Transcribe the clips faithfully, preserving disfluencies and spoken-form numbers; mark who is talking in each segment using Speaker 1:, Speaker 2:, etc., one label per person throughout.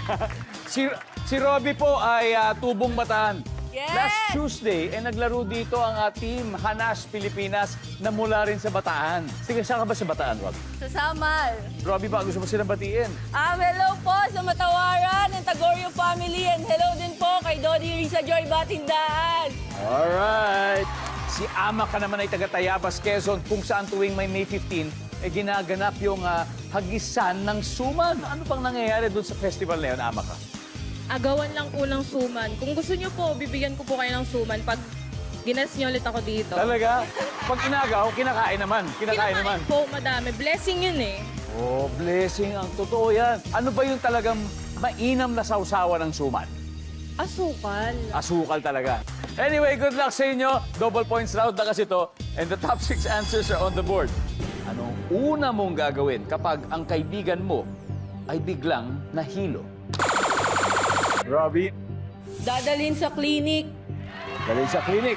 Speaker 1: si, si Robby po ay ah, tubong Bataan.
Speaker 2: Yes!
Speaker 1: Last Tuesday, eh, naglaro dito ang ah, team Hanas Pilipinas na mula rin sa Bataan. Sige, saan ka ba sa Bataan, Rob?
Speaker 2: Sa Samal.
Speaker 1: Robby ba, gusto mo silang batiin?
Speaker 2: Um, hello po sa Matawaran ng Tagorio family and hello din po kay Dodi Risa Joy Batindaan.
Speaker 1: Alright. Si Ama ka naman ay taga Tayabas, Quezon, kung saan tuwing may May fifteenth, eh, ginaganap yung ah, hagisan ng suman. Ano pang nangyayari doon sa festival na yun, Ama ka?
Speaker 3: Agawan lang po ng suman. Kung gusto niyo po, bibigyan ko po kayo ng suman pag ginas niyo ulit ako dito.
Speaker 1: Talaga? Pag inagaw, kinakain naman. Kinakain, naman.
Speaker 3: po, madami. Blessing yun eh.
Speaker 1: Oh, blessing. Ang totoo yan. Ano ba yung talagang mainam na sausawa ng suman?
Speaker 3: Asukal.
Speaker 1: Asukal talaga. Anyway, good luck sa inyo. Double points round na kasi to. And the top six answers are on the board. Anong una mong gagawin kapag ang kaibigan mo ay biglang nahilo? Robbie,
Speaker 2: Dadalhin sa clinic.
Speaker 1: dali sa klinik.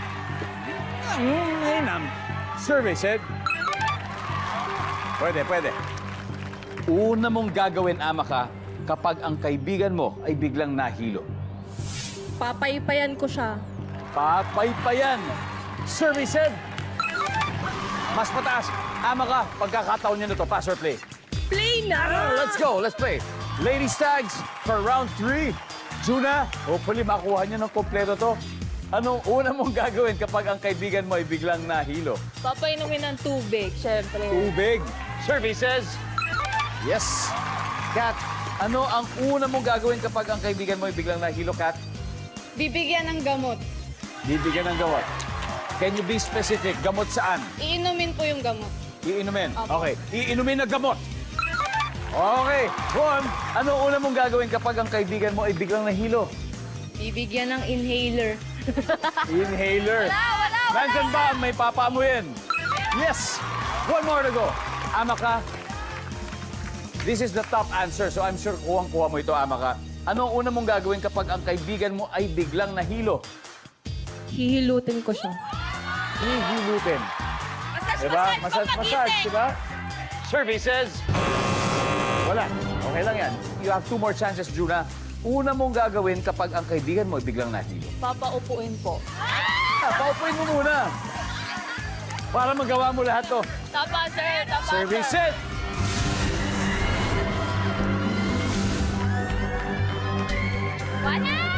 Speaker 1: Mm, inam. Survey said. Pwede, pwede. Una mong gagawin, Ama ka, kapag ang kaibigan mo ay biglang nahilo.
Speaker 3: Papaypayan ko siya.
Speaker 1: Papaypayan. Survey said. Mas mataas. Ama ka, pagkakataon niyo na to. Pass or play?
Speaker 3: Play na!
Speaker 1: Ah, let's go, let's play. Ladies tags for round three. Juna, hopefully makuha niyo ng kompleto to. Anong una mong gagawin kapag ang kaibigan mo ay biglang nahilo?
Speaker 2: Papainumin ng tubig, syempre.
Speaker 1: Tubig. Survey says. Yes. Kat, ano ang una mong gagawin kapag ang kaibigan mo ay biglang nahilo, Kat?
Speaker 2: Bibigyan ng gamot.
Speaker 1: Bibigyan ng gamot. Can you be specific? Gamot saan?
Speaker 2: Iinumin po yung gamot.
Speaker 1: Iinumin.
Speaker 2: Opo.
Speaker 1: Okay. Iinumin na gamot. Okay. Juan, ano una mong gagawin kapag ang kaibigan mo ay biglang nahilo?
Speaker 2: Bibigyan ng inhaler.
Speaker 1: Inhaler.
Speaker 2: Wala, wala, wala.
Speaker 1: Nandyan ba? May papaamuyin. Yes. One more to go. Ama ka. This is the top answer, so I'm sure kuwang-kuha mo ito, Ama ka. Ano ang una mong gagawin kapag ang kaibigan mo ay biglang nahilo?
Speaker 3: Hihilutin ko siya.
Speaker 1: Hihilutin.
Speaker 2: Massage,
Speaker 1: Diba? Massage, massage, diba? Survey says... Wala. Okay lang yan. You have two more chances, Juna. Una mong gagawin kapag ang kaibigan mo ay biglang nahilo.
Speaker 2: Papaupuin po.
Speaker 1: Ah, paupuin mo muna. Para magawa mo lahat to.
Speaker 2: Tapa, sir. Tapa,
Speaker 1: Survey
Speaker 2: sir.
Speaker 1: said...
Speaker 2: Wala!